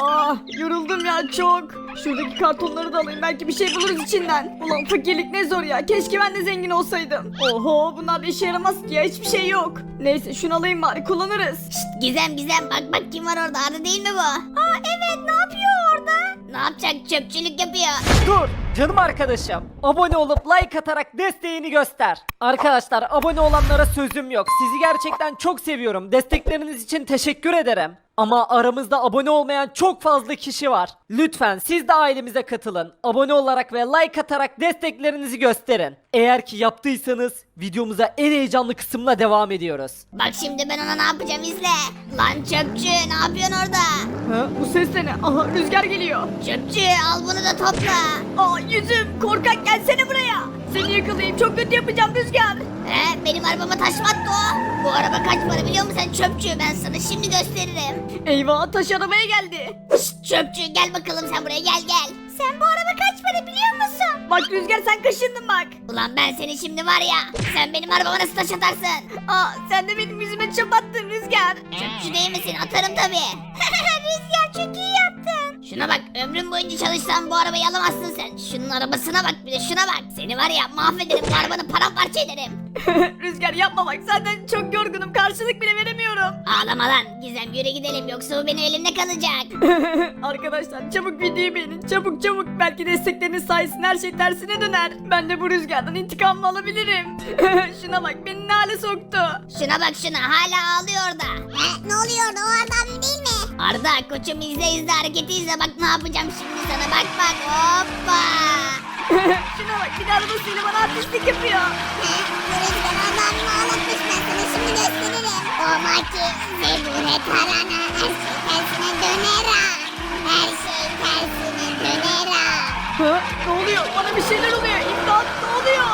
Ah yoruldum ya çok. Şuradaki kartonları da alayım belki bir şey buluruz içinden. Ulan fakirlik ne zor ya, keşke ben de zengin olsaydım. Oho bunlar da işe yaramaz ki ya, hiçbir şey yok. Neyse şunu alayım bari, kullanırız. Gizem bak kim var orada, Arda değil mi bu? Aa evet, ne yapıyor orada? Ne yapacak, çöpçülük yapıyor. Dur canım arkadaşım. Abone olup like atarak desteğini göster. Arkadaşlar abone olanlara sözüm yok. Sizi gerçekten çok seviyorum. Destekleriniz için teşekkür ederim. Ama aramızda abone olmayan çok fazla kişi var. Lütfen siz de ailemize katılın. Abone olarak ve like atarak desteklerinizi gösterin. Eğer ki yaptıysanız videomuza en heyecanlı kısımla devam ediyoruz. Bak şimdi ben ona ne yapacağım, izle. Lan çöpçü, ne yapıyorsun orada? Ha, bu ses de ne? Aha rüzgar geliyor. Çöpçü, al bunu da topla. Aa yüzüm, korkak gelsene buraya. Seni yakalayayım, çok kötü yapacağım Rüzgar. Benim arabama taş mı attı o? Bu araba kaç para biliyor musun sen çöpçü? Ben sana şimdi gösteririm. Eyvah, taş arabaya geldi. Şşt, çöpçü gel bakalım, sen buraya gel. Sen bu araba kaç para biliyor musun? Bak Rüzgar, sen kaşındın bak. Ulan ben seni şimdi var ya, sen benim arabama nasıl taş atarsın? Aa sen de benim yüzüme çöp attın Rüzgar. Çöpçü değil misin? Atarım tabii. Rüzgar çok iyi yaptın. Şuna bak, ömrüm boyunca çalışsan bu arabayı alamazsın sen. Şunun arabasına bak, bir de şuna bak. Seni var ya mahvederim, bu arabanı paramparça ederim. Rüzgar yapma bak, zaten çok yorgunum, karşılık bile veremiyorum. Ağlama lan Gizem, yürü gidelim yoksa bu benim elimde kalacak. Arkadaşlar çabuk videoyu beğenin, çabuk çabuk. Belki destekleriniz sayesinde her şey tersine döner. Ben de bu Rüzgar'dan intikamımı alabilirim. Şuna bak, beni ne hale soktu. Şuna bak, şuna hala ağlıyor orada. Ne oluyor orada, o Arda abim değil mi? Arda koçum, izle hareketi izle, bak ne yapacağım şimdi sana, bak hoppa. Şuna bak, bir de arabasıyla bana artistlik yapıyor. Bu Rüzgar Arda abimi ağlatmış, ben sana şimdi gösteririm. O maki zebune tarana, her şey tersine döner ha. Her şey tersine döner ha. Ha? Ne oluyor? Bana bir şeyler oluyor. İmdat, ne oluyor?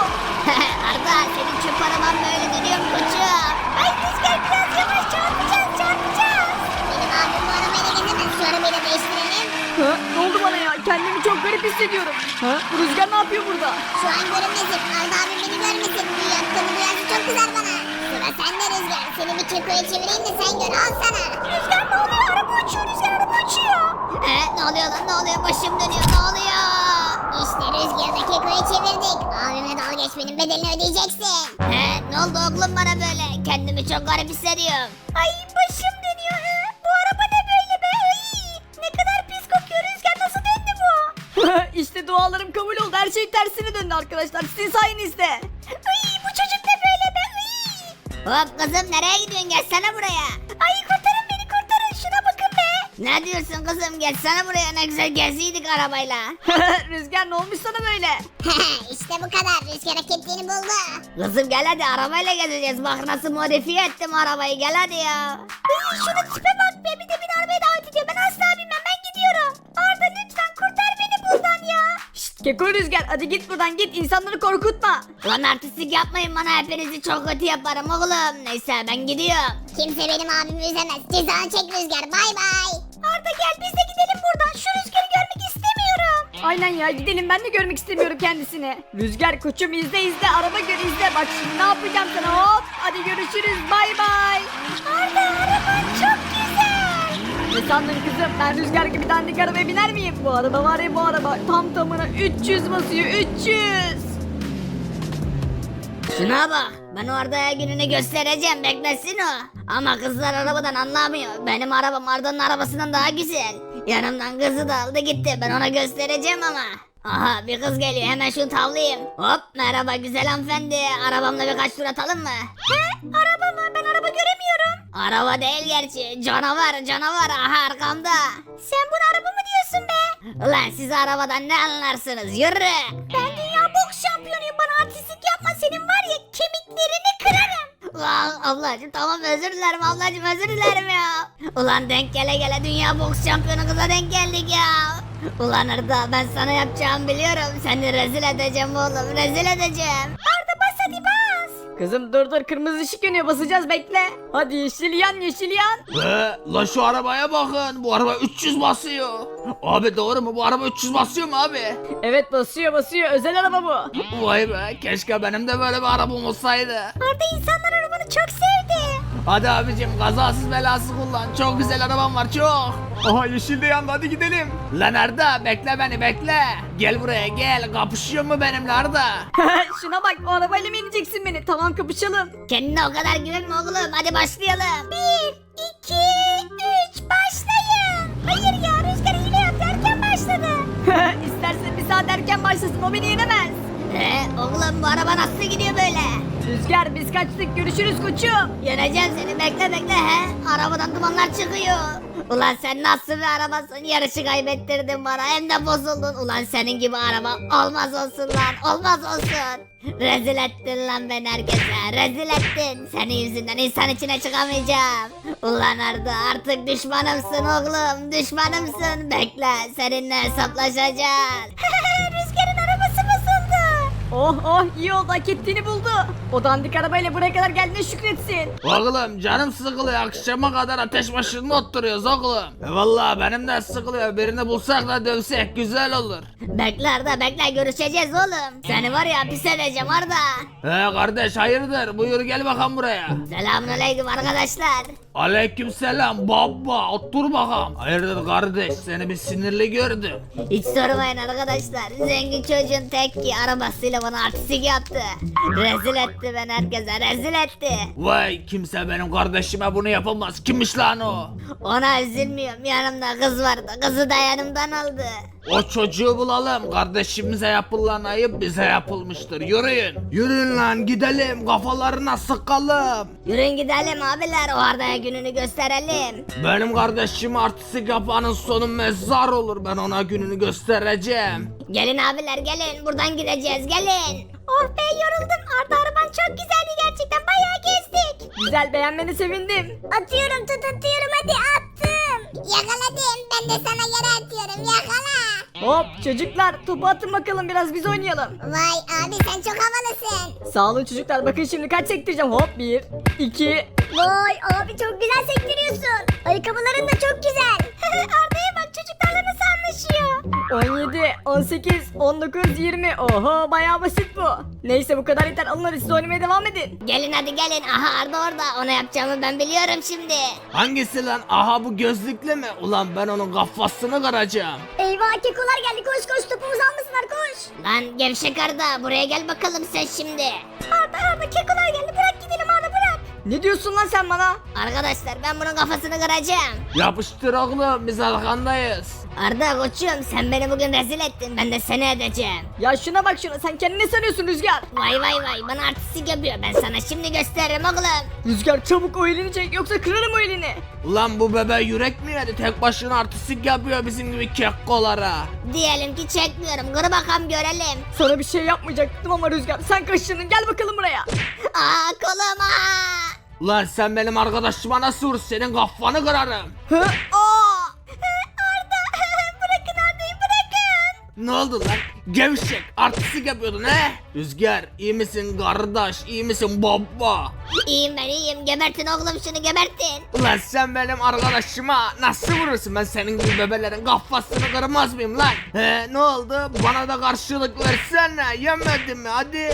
Arda, senin çöp araban böyle dönüyor mu koçum? Ay Rüzgar biraz yavaş, çarpacağız. Benim abim bu arabayla gezemez, şu arabayı da değiştirelim. Ha? Ne oldu bana ya? Kendimi çok garip hissediyorum. Ha? Bu Rüzgar ne yapıyor burada? Şu an görünmesin, Arda abim beni görmesin. Bu yaptığımı duyarsa çok kızar bana. Sıra sende Rüzgar, seni bir kekoya çevireyim de sen gör, al sana. Rüzgar ne oluyor, araba uçuyor, Rüzgar araba uçuyor. Ne oluyor lan, ne oluyor, başım dönüyor, ne oluyor? İşte Rüzgar'ı kekoya çevirdik. Abimle dalga geçmenin bedelini ödeyeceksin. Ne oldu oğlum bana böyle? Kendimi çok garip hissediyorum. Ay başım dönüyor. Bu araba ne böyle be? Ay, ne kadar pis kokuyor Rüzgar, nasıl döndü bu? İşte dualarım kabul oldu. Her şey tersine döndü arkadaşlar. Sizin sayenizde. Ay bu çocuk ne böyle be? Ay. Hop kızım, nereye gidiyorsun, gelsene buraya. Ay kurtarın beni, kurtarın, şuna bakın be. Ne diyorsun kızım, gelsene buraya, ne güzel geziydik arabayla. Rüzgar ne olmuş sana böyle? İşte bu kadar, Rüzgar hak ettiğini buldu. Kızım gel hadi, arabayla gezeceğiz, bak nasıl modifiye ettim arabayı, gel hadi ya. Ay şuna tipe bak be, bir de beni arabaya davet ediyor. Ben asla binmem, ben gidiyorum. Arda lütfen kurtar beni buradan ya. Şşt Keko Rüzgar, hadi git buradan git. İnsanları korkutma. Lan artistlik yapmayın bana, hepinizi çok kötü yaparım oğlum. Neyse ben gidiyorum. Kimse benim abimi üzemez. Cezanı çek Rüzgar, bay bay. Arda gel biz de gidelim buradan. Şu Rüzgar'ı görmek istemiyorum. Aynen ya, gidelim, ben de görmek istemiyorum kendisini. Rüzgar koçum, izle araba gör, izle. Bak şimdi ne yapacağım sana, hop. Hadi görüşürüz, bay bay. Arda araban çok güzel. Ne sandın kızım, ben Rüzgar gibi dandik arabaya biner miyim? Bu araba var ya, bu araba tam tamına 300 basıyor, 300. Şuna bak, ben o Arda'ya gününü göstereceğim, beklesin o. Ama kızlar arabadan anlamıyor. Benim arabam Arda'nın arabasından daha güzel. Yanımdan kızı da aldı gitti, ben ona göstereceğim ama. Aha bir kız geliyor, hemen şunu tavlayayım. Hop, merhaba güzel hanımefendi, arabamla birkaç tur atalım mı? Araba mı? Ben araba göremiyorum. Araba değil gerçi, canavar, aha arkamda. Sen bunu araba mı diyorsun be? Ulan siz arabadan ne anlarsınız, yürü. Ben dünya boks şampiyonuyum, bana artistlik yapma, senin var ya kemiklerini kırarım. Ulan ablacım tamam, özür dilerim ablacım, özür dilerim ya. Ulan denk gele dünya boks şampiyonu kıza denk geldik ya. Ulan Arda, ben sana yapacağımı biliyorum. Seni rezil edeceğim oğlum, rezil edeceğim. Arda bas hadi bas. Kızım dur, kırmızı ışık yanıyor, basacağız, bekle. Hadi yeşil yan. La şu arabaya bakın. Bu araba 300 basıyor. Abi doğru mu? Bu araba 300 basıyor mu abi? Evet basıyor, özel araba bu. Vay be, keşke benim de böyle bir arabam olsaydı. Arda insanlar arabanı çok sevdi. Hadi abicim kazasız belasız kullan. Çok güzel arabam var çok. Aha yeşil de yandı, hadi gidelim. Lan Arda bekle beni bekle. Gel buraya gel. Kapışıyor mu benimle Arda? Şuna bak, o arabayla mı ineceksin beni? Tamam, kapışalım. Kendine o kadar güvenme oğlum. Hadi başlayalım. 1, 2, 3 başlayın. Hayır ya, Rüzgar hile yaptı, erken başladı. İstersen bir saat erken başlasın, o beni yenemez. Oğlum bu araba nasıl gidiyor böyle? Rüzgar, biz kaçtık, görüşürüz koçum. Yeneceğim seni, bekle bekle he. Arabadan dumanlar çıkıyor. Ulan sen nasıl bir arabasın? Yarışı kaybettirdin bana, hem de bozuldun. Ulan senin gibi araba olmaz olsun lan, olmaz olsun. Rezil ettin lan beni herkese, rezil ettin. Senin yüzünden insan içine çıkamayacağım. Ulan Arda, artık düşmanımsın oğlum, düşmanımsın. Bekle, seninle hesaplaşacağız. Rüzgar'ın arabası bozuldu. Oh iyi oldu, hak ettiğini buldu. O dandik arabayla buraya kadar geldiğine şükretsin. Oğlum canım sıkılıyor. Akşama kadar ateş başında oturuyoruz oğlum. Vallahi benim de sıkılıyor. Birini bulsak da dövsek güzel olur. Bekle Arda, bekle, görüşeceğiz oğlum. Seni var ya pis edeceğim Arda. Kardeş hayırdır? Buyur gel bakalım buraya. Selamünaleyküm arkadaşlar. Aleykümselam baba. Otur bakalım. Hayırdır kardeş? Seni bir sinirli gördüm. Hiç sormayın arkadaşlar. Zengin çocuğun tek ki arabasıyla bana artistik yaptı. Rezil etti beni herkese, rezil etti. Vay kimse benim kardeşime bunu yapamaz. Kimmiş lan o? Ona üzülmüyorum, yanımda kız vardı. Kızı da yanımdan aldı. O çocuğu bulalım. Kardeşimize yapılan ayıp bize yapılmıştır. Yürüyün. Yürüyün lan gidelim. Kafalarına sıkalım. Yürüyün gidelim abiler, o Arda'ya gününü gösterelim. Benim kardeşim artistik yapanın sonu mezar olur. Ben ona gününü göstereceğim. Gelin abiler gelin, buradan gideceğiz, gelin. Oh be, yoruldum. Arda, araban çok güzeldi gerçekten, bayağı gezdik. Güzel, beğenmene sevindim. Atıyorum, atıyorum, hadi attım. Yakaladım, ben de sana yere atıyorum, yakala. Hop çocuklar, topu atın bakalım, biraz biz oynayalım. Vay abi, sen çok havalısın. Sağ olun çocuklar, bakın şimdi kaç sektireceğim. Hop 1, 2. Vay abi, çok güzel sektiriyorsun. Ayakkabıların da çok güzel. Arda'ya bak, çocuklarla nasıl anlaşıyor. 17, 18, 19, 20. Oho, bayağı basit bu. Neyse bu kadar yeter, alın hadi siz oynamaya devam edin. Gelin hadi gelin, aha Arda orada, ona yapacağımı ben biliyorum şimdi. Hangisi lan? Aha bu gözlüklü mü? Ulan ben onun kafasını kıracağım. Eyvah, kekolar geldi, koş koş, topumuzu almasınlar, koş. Lan gevşek Arda, buraya gel bakalım sen şimdi. Arda, kekolar geldi, bırak gidelim Arda, bırak. Ne diyorsun lan sen bana? Arkadaşlar ben bunun kafasını kıracağım. Yapıştır oğlum biz arkandayız. Arda koçum, sen beni bugün rezil ettin, ben de seni edeceğim. Ya şuna bak şuna, sen kendini ne sanıyorsun Rüzgar? Vay vay vay, bana artistik yapıyor, ben sana şimdi gösteririm oğlum. Rüzgar çabuk o elini çek, yoksa kırarım o elini. Ulan bu bebe yürek mi yedi? Tek başına artistik yapıyor bizim gibi kekkolara. Diyelim ki çekmiyorum, kır bakalım görelim. Sana bir şey yapmayacaktım ama Rüzgar, sen kaşındın, gel bakalım buraya. Aa kolum aa. Ulan sen benim arkadaşıma nasıl vur? Senin kafanı kırarım. Hı? Aa! Bırakın Arda'yı, bırakın. Ne oldu lan? Gevşek artistik yapıyordun he? Rüzgar iyi misin kardeş? İyi misin baba? İyiyim ben iyiyim, gebertin oğlum şunu, gebertin. Ulan sen benim arkadaşıma nasıl vurursun? Ben senin gibi bebelerin kafasını kırmaz mıyım lan? He ne oldu? Bana da karşılık versene. Yemedin mi? Hadi.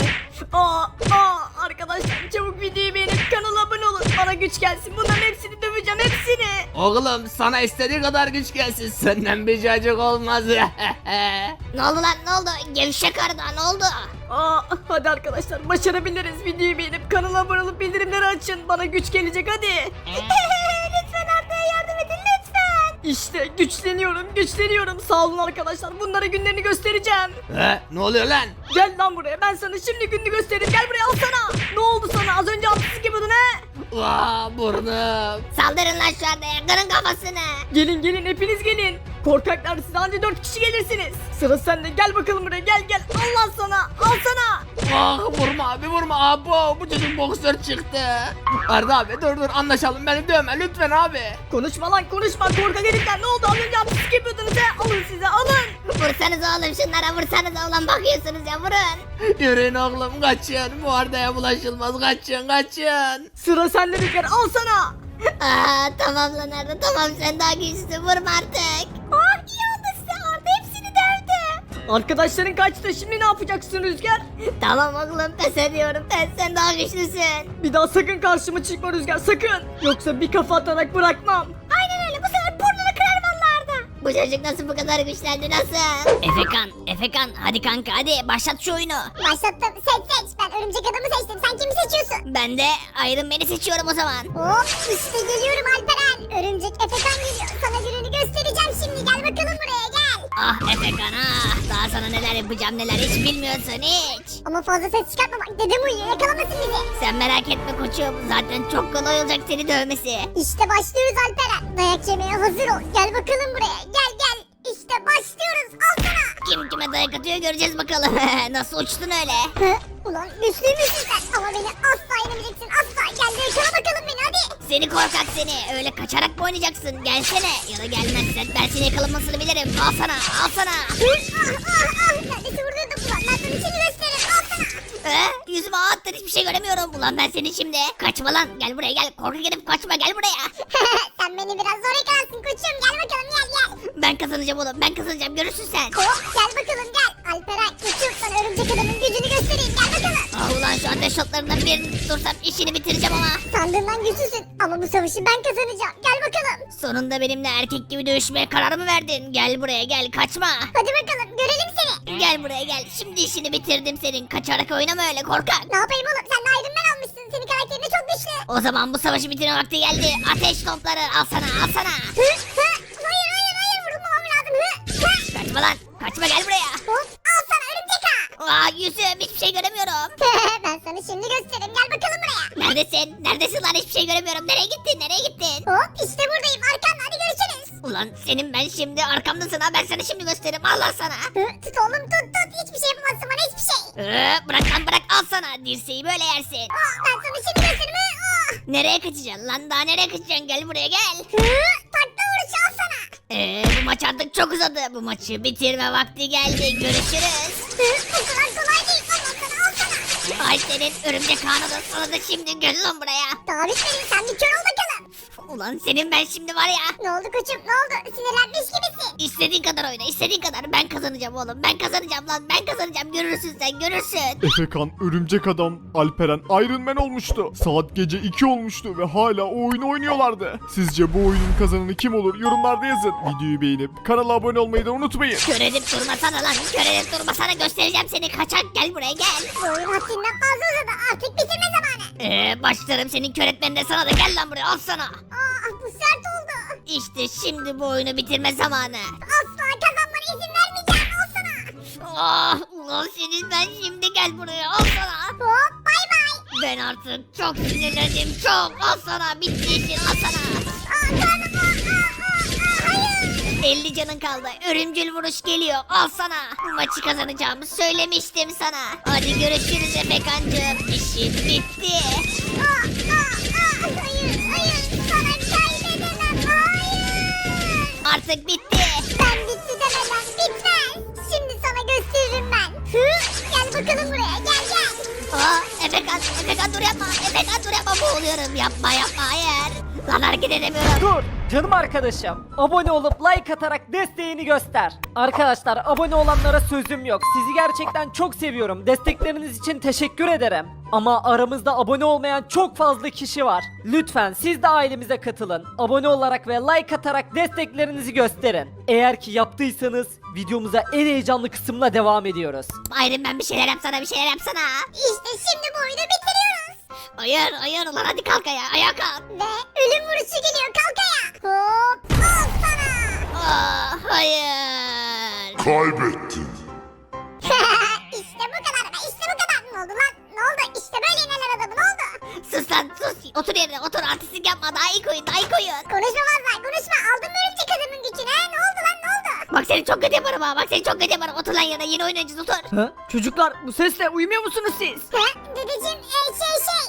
Arkadaşlar çabuk videoyu beğenip kanala abone olun. Bana güç gelsin, bunların hepsini döveceğim, hepsini. Oğlum sana istediği kadar güç gelsin. Senden bir cacık olmaz. Ne oldu lan, ne oldu? Gevşek Arda, ne oldu? Hadi arkadaşlar, başarabiliriz. Videoyu beğenip kanala abone olup bildirimleri açın. Bana güç gelecek hadi. Lütfen Arda'ya yardım edin, lütfen. İşte güçleniyorum. Sağ olun arkadaşlar, bunlara günlerini göstereceğim. He ne oluyor lan? Gel lan buraya, ben sana şimdi gününü göstereyim. Gel buraya, al sana. Ne oldu sana, az önce haksızlık yapıyordun he? Burnum. Saldırın lan şu Arda'ya, kırın kafasını. Gelin hepiniz gelin. Korkaklar, siz anca 4 kişi gelirsiniz. Sıra sende, gel bakalım buraya, gel. Allah sana, al sana. Vurma abi vurma. Abo bu çocuk boksör çıktı. Arda abi dur anlaşalım, beni dövme lütfen abi. Konuşma lan konuşma, korkak herifler, ne oldu, az önce haksızlık yapıyordunuz he? Alın size, alın. Vursanız oğlum şunlara, vursanız oğlum, bakıyorsunuz ya, vurun. Yürüyün oğlum kaçın. Bu Arda'ya bulaşılmaz, kaçın. Sıra sende Rüzgar, al sana. Aa tamam lan Arda, tamam sen daha güçlüsün, vurma artık. Oh, iyi oldu size, Arda hepsini dövdü. Arkadaşların kaçtı, şimdi ne yapacaksın Rüzgar? Tamam oğlum pes ediyorum pes, sen daha güçlüsün. Bir daha sakın karşıma çıkma Rüzgar, sakın. Yoksa bir kafa atarak bırakmam. Aynen öyle, bu sefer burnunu kırar vallahi Arda. Bu çocuk nasıl bu kadar güçlendi, nasıl? Efekan hadi kanka hadi başlat şu oyunu. Başlattım. Seç. Ben örümcek adamı seçtim. Sen kimi seçiyorsun? Ben de Iron Man'i seçiyorum o zaman. Hop işte geliyorum Alperen. Örümcek Efekan geliyor. Sana gününü göstereceğim şimdi. Gel bakalım buraya gel. Ah Efekan ah, daha sana neler yapacağım neler hiç bilmiyorsun hiç. Ama fazla ses çıkartma bak. Dedem uyuyor. Yakalamasın bizi. Sen merak etme koçum, zaten çok kolay olacak seni dövmesi. İşte başlıyoruz Alperen. Dayak yemeye hazır ol. Gel bakalım buraya. Gel. İşte başlıyoruz. Al sana. Kim kime dayak atıyor göreceğiz bakalım. Nasıl uçtun öyle? Hı? Ulan güçlüymüşsün sen. Ama beni asla yenemeyeceksin. Asla. Gel de yakala bakalım beni hadi. Seni korkak seni, öyle kaçarak mı oynayacaksın? Gelsene ya da gelmezsen ben seni yakalamasını bilirim. Al sana. Hı? Neredeyse vuruyordum ulan. Ben sana şimdi gösteririm. Al sana. Yüzüme ağ attın, hiçbir şey göremiyorum. Ulan ben seni şimdi. Kaçma lan, gel buraya gel. Korkak herif kaçma, gel buraya. Sen beni biraz zor yakalarsın koçum. Gel bakalım gel. Ben kazanacağım oğlum, ben kazanacağım, görürsün sen. Hop gel bakalım gel. Alperen koçum sana örümcek adamın gücünü göstereyim. Gel bakalım. Ah ulan şu ateş shotlarından birini tutursam işini bitireceğim ama. Sandığından güçlüsün. Ama bu savaşı ben kazanacağım. Gel bakalım. Sonunda benimle erkek gibi dövüşmeye karar mı verdin? Gel buraya gel, kaçma. Hadi bakalım görelim seni. Gel buraya gel, şimdi işini bitirdim senin. Kaçarak oynama öyle korkak. Ne yapayım oğlum sen de Iron Man almışsın. Senin karakterin de çok güçlü. O zaman bu savaşı bitirme vakti geldi. Ateş topları al sana, al sana. Hayır vurulmamam lazım. Kaçma lan, kaçma, gel buraya. Hop al sana örümcek ağa. Aa yüzüm, hiçbir şey göremiyorum. Ben sana şimdi göstereyim. Gel bakalım buraya. Neredesin? Neredesin lan, hiçbir şey göremiyorum. Nereye gittin, nereye gittin? Hop işte buradayım. Arkanda hadi görüşürüz. Ulan senin ben şimdi arkamdasın ha, ben sana şimdi gösteririm. Allah sana. Tut oğlum tut. Hiçbir şey yapamazsın bana hiçbir şey. Bırak lan bırak, al sana. Dirseği böyle yersin. Ben sana şimdi gösteririm. Nereye kaçacaksın lan, daha nereye kaçacaksın? Gel buraya gel. Takla vuruşu al sana. Bu maç artık çok uzadı. Bu maçı bitirme vakti geldi. Görüşürüz. Bu kadar kolay değil. Al sana. Ay senin örümcek kanadı, sana da şimdi gel lan buraya. Daha bitmedi. Sen bir kör ol bakalım. Ulan senin ben şimdi var ya. Ne oldu koçum ne oldu? Sinirlenmiş gibisin. İstediğin kadar oyna, istediğin kadar. Ben kazanacağım oğlum, ben kazanacağım lan, ben kazanacağım. Görürsün sen, görürsün. Efekan, örümcek adam, Alperen Iron Man olmuştu. Saat gece 2 olmuştu ve hala o oyunu oynuyorlardı. Sizce bu oyunun kazananı kim olur? Yorumlarda yazın. Videoyu beğenip kanala abone olmayı da unutmayın. Kör edip durmasana lan, kör edip durmasana, göstereceğim seni. Kaçak, gel buraya gel. Bu oyun haddinden fazla uzadı. Artık bitirme zamanı. Başlarım senin kör etmenine, sana da gel lan buraya, al sana. Bu sert oldu. İşte şimdi bu oyunu bitirme zamanı. Asla kazanmana izin vermeyeceğim. Al sana. Ah ulan senin ben şimdi, gel buraya, al sana. Hop bay bay. Ben artık çok sinirlendim, çok. Al sana, bitti işin, al sana. Karnım hayır. 50 canın kaldı, örümcül vuruş geliyor, al sana. Bu maçı kazanacağımı söylemiştim sana. Hadi görüşürüz Efekancığım, işin bitti. Hayır. Sana kaybedemem. Hayır. Artık bitti. Ben bitti demeden bitmez. Şimdi sana gösteririm ben. Gel bakalım buraya. Gel. Efekan dur yapma, Efekan dur yapma, boğuluyorum. Yapma, hayır. Lan hareket edemiyorum. Dur canım arkadaşım. Abone olup like atarak desteğini göster. Arkadaşlar abone olanlara sözüm yok. Sizi gerçekten çok seviyorum. Destekleriniz için teşekkür ederim. Ama aramızda abone olmayan çok fazla kişi var. Lütfen siz de ailemize katılın. Abone olarak ve like atarak desteklerinizi gösterin. Eğer ki yaptıysanız videomuza en heyecanlı kısımla devam ediyoruz. Iron Man bir şeyler yapsana, bir şeyler yapsana. İşte şimdi bu oyunu bitiriyoruz. Hayır ulan, hadi kalk ayağa kalk. Ve ölüm vuruşu geliyor. Kalk ayağa. Hop. Al sana. Hayır. Kaybettin. İşte bu kadar be. İşte bu kadar. Ne oldu lan? Ne oldu? İşte böyle inerler adamı. Ne oldu? Sus lan sus. Otur yerine, otur, artistlik yapma, daha iyi koyun. Konuşma Mazlay. Konuşma. Aldın mı örümcek adamın gücünü? Ne oldu lan? Ne oldu? Bak seni çok kötü yaparım ha, bak seni çok kötü yaparım. Otur lan yerine, yeni oynayacağız, otur. Ha? Çocuklar bu sesle uyumuyor musunuz siz? Dedeciğim şey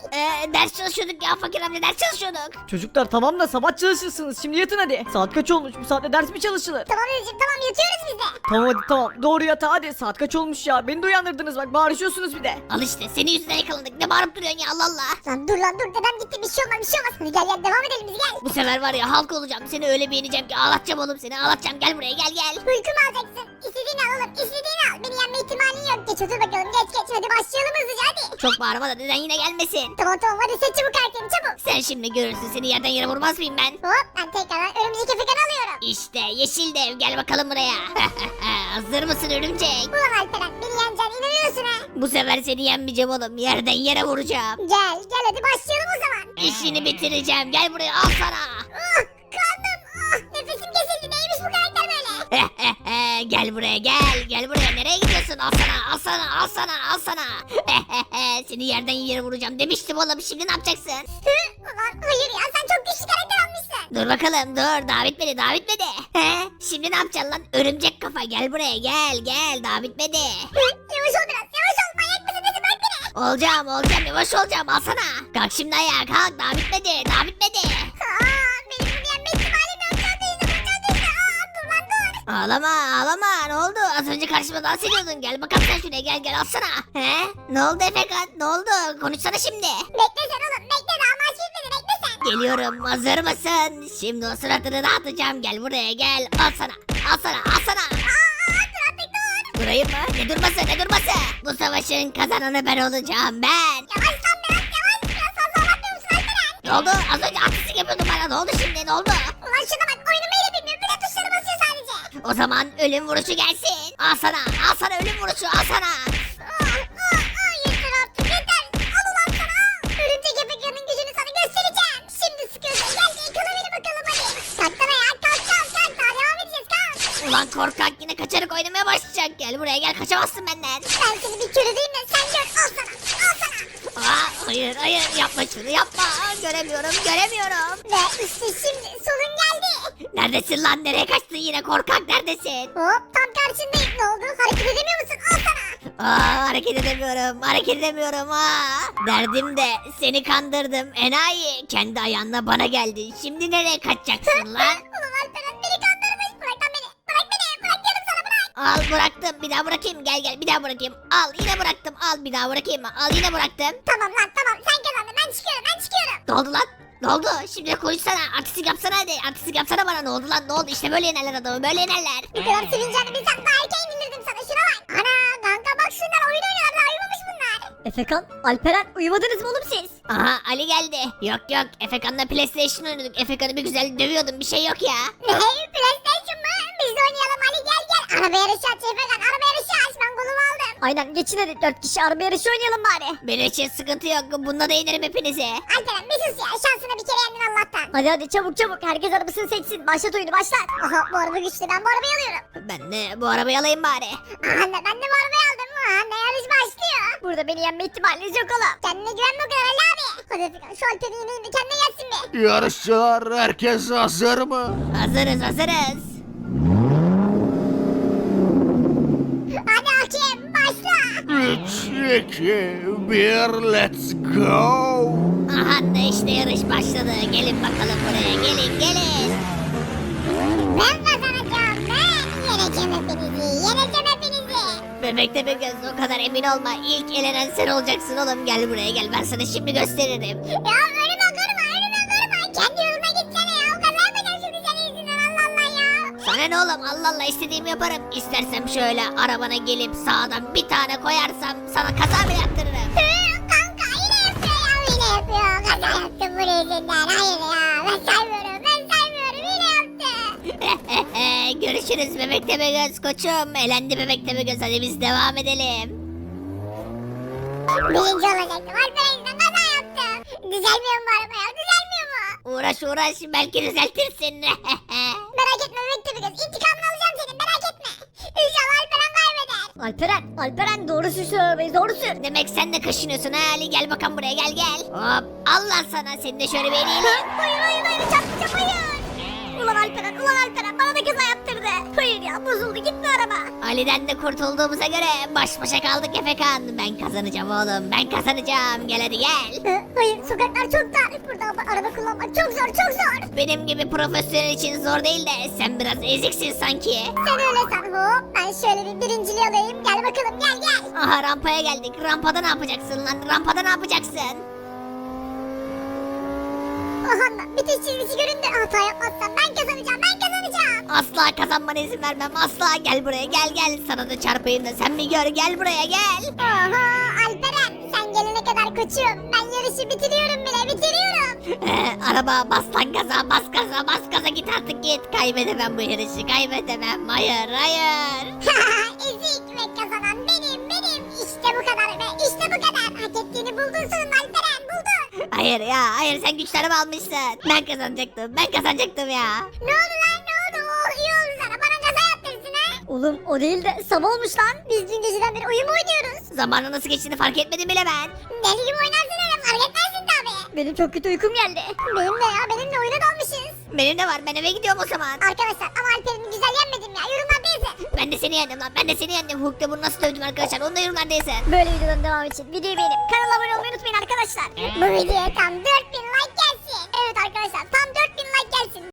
Ders çalışıyorduk ya fakir amca, ders çalışıyorduk. Çocuklar tamam da sabah çalışırsınız. Şimdi yatın hadi. Saat kaç olmuş? Bu saatte ders mi çalışılır? Tamam dedeciğim tamam yatıyoruz biz de. Tamam hadi tamam. Doğru yatağa hadi. Saat kaç olmuş ya? Beni de uyandırdınız bak. Bağırışıyorsunuz bir de. Al işte senin yüzünden yakalandık, ne bağırıp duruyorsun ya, Allah Allah. Lan dur dedem gitti bir şey olmaz bir şey olmaz. Hadi gel devam edelim biz gel. Bu sefer var ya halk olacağım, seni öyle beğeneceğim ki ağlatacağım oğlum, seni ağlatacağım, gel buraya gel. Uykumu alacaksın. İstediğini al oğlum istediğini al. Beni yenme ihtimalin yok. Geç otur bakalım geç hadi başlayalım hızlıca hadi. Çok bağırma da deden yine gelmesin. Tamam hadi seç çabuk karakterini çabuk. Sen şimdi görürsün, seni yerden yere vurmaz mıyım ben? Hop ben tekrardan örümcek efekanı alıyorum. İşte yeşil dev, gel bakalım buraya. Hazır mısın örümcek? Ulan Alperen beni yeneceksin inanıyorsun ha. Bu sefer seni yenmeyeceğim oğlum, yerden yere vuracağım. Gel hadi başlayalım o zaman. İşini bitireceğim, gel buraya, al sana. Kandım nefesim kesildi neymiş bu karakter böyle. Gel buraya, gel buraya, nereye gidiyorsun? Al sana. Seni yerden yere vuracağım demiştim oğlum, şimdi ne yapacaksın? Ulan hayır ya sen çok güçlü karakter almışsın. Dur bakalım, dur, daha bitmedi. Şimdi ne yapacaksın lan? Örümcek kafa, gel buraya, gel, daha bitmedi. Yavaş ol biraz yavaş ol manyak mısın nesin bırak beni. Olacağım, yavaş olacağım, al sana. Kalk şimdi ayağa, kalk, daha bitmedi. Benim bunu yenme ihtimalim yok çok değildi. Dur lan dur. Ağlama, ne oldu? Az önce karşıma dans ediyordun, gel bakalım sen şuraya, gel, al sana. Ne oldu Efekan, ne oldu? Konuşsana şimdi. Bekle sen oğlum bekle daha maç bitmedi bekle sen. Geliyorum, hazır mısın? Şimdi o suratını dağıtacağım, gel buraya, gel. Al sana. Dur artık dur. Durayım mı? Ne durması? Bu savaşın kazananı ben olacağım, ben. Yavaş lan biraz fazla anlatmıyor musun Alperen? Ne oldu? Az önce artistik yapıyordun bana, ne oldu şimdi, ne oldu? Ulan şuna bak oyunumu ile bilmiyor bir de tuşlara basıyor sadece. O zaman ölüm vuruşu gelsin. Al sana ölüm vuruşu, al sana. Yeter artık yeter. Al ulan sana. Örümcek efekanın gücünü sana göstereceğim. Şimdi sıkıyorsun gel yakala beni bakalım hadi. Kalksana ya kalk daha devam edeceğiz kalk. Ulan korkak yine kaçarak oynamaya başlayacak. Gel buraya, gel, kaçamazsın benden. Ben seni bir körüleyim de sen gör al sana. Hayır, yapma şunu, yapma. Göremiyorum. Ve işte şimdi sonun geldi. Neredesin lan, nereye kaçtın yine, korkak neredesin? Hop tam karşındayım ne oldu hareket edemiyor musun al sana. Hareket edemiyorum. Derdim de seni kandırdım enayi. Kendi ayağınla bana geldin. Şimdi nereye kaçacaksın lan? Ulan Alperen beni kandırmış bırak lan beni. Bırak diyorum sana bırak. Al, bıraktım, bir daha bırakayım, gel bir daha bırakayım. Al, yine bıraktım, al bir daha bırakayım mı? Al, yine bıraktım. Tamam lan tamam sen kazandın ben çıkıyorum. Ne oldu lan? Ne oldu? Şimdi konuşsana, artistik yapsana hadi. Artistik yapsana bana, ne oldu lan, ne oldu? İşte böyle yenerler adamı, böyle yenerler. Bu kadar sevineceğini bilsem daha erken indirdim sana şuna bak. Ana kanka bak şunlar oyun oynuyorlar daha uyumamış bunlar. Efekan, Alperen uyumadınız mı oğlum siz? Aha, Ali geldi. Yok, Efekan'la PlayStation oynadık. Efekan'ı bir güzel dövüyordum, bir şey yok ya. Ne PlayStation mı? Biz de oynayalım Ali gel. Araba yarışı aç Efekan araba yarışı aç ben kolumu aldım. Aynen geçin hadi 4 kişi araba yarışı oynayalım bari. Benim için sıkıntı yok, bunda da yenerim hepinizi. Alperen bir sus ya şansına bir kere yendin Allah'tan. Hadi çabuk herkes arabasını seçsin. Başlat oyunu başlat. Aha bu araba güçlü ben bu arabayı alıyorum. Ben de bu arabayı alayım bari. Anne ben de bu arabayı aldım. Anne yarış başlıyor. Burada beni yenme ihtimaliniz yok oğlum. Kendine güvenme o kadar Ali abi. Hadi Efekan şu Alperen'i yeneyim de kendine gelsin be. Yarışçılar herkes hazır mı? Hazırız. Hadi hakem başla. 3, 2, 1, let's go. Aha da işte yarış başladı. Gelin bakalım buraya, gelin. Ben kazanacağım ben. Yeneceğim hepinizi. Bebekte bir göz, o kadar emin olma. İlk elenen sen olacaksın oğlum. Gel buraya, gel, ben sana şimdi gösteririm. Ya önüme kırma. Kendi yoluna gitsene ya. O kaza yapacağım şimdi senin yüzünden Allah Allah ya. Sana ne oğlum, Allah istediğimi yaparım. İstersem şöyle arabana gelip sağdan bir tane koyarsam sana kaza bile yaptırırım. Kanka yine yapıyor. Kaza yaptım bu yüzünden. Hayır ya ben saymıyorum yine yaptı. Görüşürüz bebekte bir göz koçum. Elendi bebekte bir göz, hadi biz devam edelim. Birinci olacaktım. Alperen yüzünden kaza yaptım. Düzelmiyor mu bu araba ya? Düzelmiyor mu? Uğraş belki düzeltirsin. Merak etme bebekte bir göz. İntikamını alacağım senin merak etme. İnşallah Alperen kaybeder. Alperen doğru sür şu arabayı doğru sür. Demek sen de kaşınıyorsun ha Ali, gel bakalım buraya, gel. Hop, Allah sana, seni de şöyle bir eleyelim. Hayır çarpacağım hayır. Ulan Alperen bana da kaza yaptırdı. Hayır ya bozuldu gitti araba. Ali'den de kurtulduğumuza göre baş başa kaldık Efekan. Ben kazanacağım oğlum, ben kazanacağım. Gel hadi gel. Hayır, sokaklar çok dar. Burada araba kullanmak çok zor, çok zor. Benim gibi profesyonel için zor değil de sen biraz eziksin sanki. Sen öyle san. Hop, ben şöyle bir birinciliği alayım. Gel bakalım, gel gel. Aha rampaya geldik. Rampada ne yapacaksın lan? Rampada ne yapacaksın? Aha, bitiş çizgisi göründü. Hata yapmazsam ben kazanacağım, ben kazanacağım. Asla kazanmana izin vermem. Asla gel buraya gel. Sana da çarpayım da sen bir gör. Gel buraya gel. Oha, Alperen, sen gelene kadar koçum. Ben yarışı bitiriyorum bile, bitiriyorum. Araba bas lan gaza bas gaza bas gaza git artık git. Kaybedemem bu yarışı kaybedemem. Hayır hayır. Ezik ve kazanan benim. İşte bu kadar ve işte bu kadar. Hak ettiğini buldun sonunda Alperen, buldun. Hayır ya hayır sen güçlerimi almışsın. Ben kazanacaktım ya. Ne oldu lan, ne oldu? Oh, iyi oldu sana, bana gaza yaptırsın ha. Oğlum o değil de sabah olmuş lan. Biz dün geceden beri oyun mu oynuyoruz? Zamanın nasıl geçtiğini fark etmedim bile ben. Deli gibi oynarsın öyle, fark etmezsin tabii. Benim çok kötü uykum geldi. Benim de ya, benimle oyuna dalmışız. Benim de var ben eve gidiyorum o zaman. Arkadaşlar ama Alperen'i güzel yenmedim ya, yorumlarda yazın. Ben de seni yendim lan ben de seni yendim. Hulk'ta bunu nasıl dövdüm arkadaşlar onu da yorumlarda yazın. Böyle videoların devamı için videoyu beğenip kanala abone olmayı unutmayın arkadaşlar. Bu videoya tam 4000 like gelsin. Evet arkadaşlar, tam 4000 like gelsin.